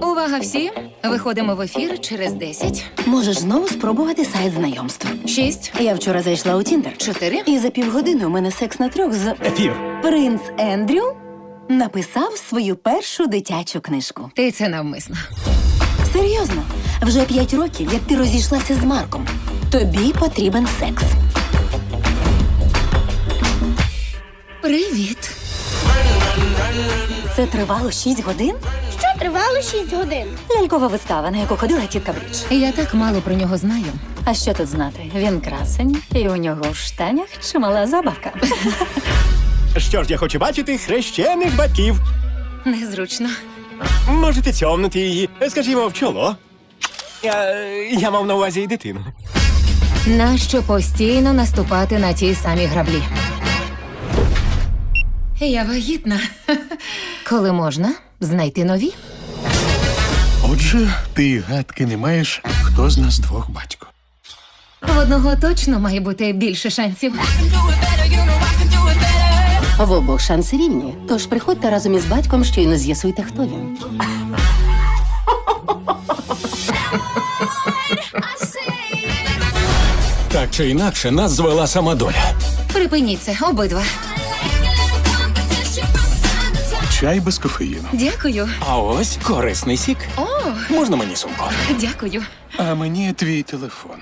Увага всі! Виходимо в ефір через 10, Можеш знову спробувати сайт знайомств. 6, Я вчора зайшла у Тіндер. 4. І за півгодини у мене секс на 3 з... Ефір. Принц Ендрю написав свою першу дитячу книжку. Ти це навмисно. Серйозно, вже 5 років, як ти розійшлася з Марком. Тобі потрібен секс. Привіт. Це тривало 6 годин? Що тривало 6 годин? Лялькова вистава, на яку ходила тітка Брідж. Я так мало про нього знаю. А що тут знати? Він красень, і у нього в штанях чимала забавка. Що ж, я хочу бачити хрещених батьків. Незручно. Можете цьомнути її, скажімо, в чоло. Я мав на увазі і дитину. Нащо постійно наступати на ті самі граблі? Я вагітна. Коли можна знайти нові? Отже, ти й гадки не маєш, хто з нас двох батько. В одного точно має бути більше шансів. В обох шанси рівні. Тож приходьте разом із батьком, щойно з'ясуйте, хто він. Так чи інакше, нас звела сама доля. Припиніть це, обидва. Чай без кофеїну. Дякую. А ось корисний сік. О, Можна мені сумку? дякую. А мені твій телефон.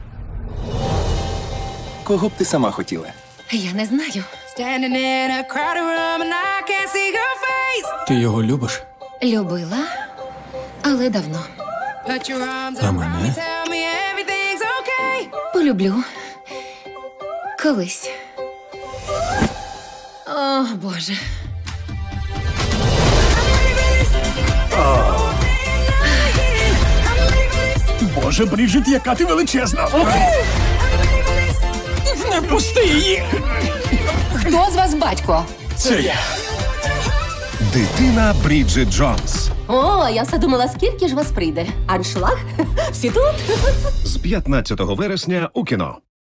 Кого б ти сама хотіла? Я не знаю. Standing in a crowded room and I can't see your face. Ти його любиш? Любила, але давно. Put your arms А around me, мене? tell me everything's okay. Полюблю. Колись. О, Боже. Боже, Бріджит, яка ти величезна! Не пусти її! Хто з вас батько? Це я. Дитина Бріджит Джонс О, я все думала, скільки ж вас прийде. Аншлаг? Всі тут? з 15 вересня у кіно.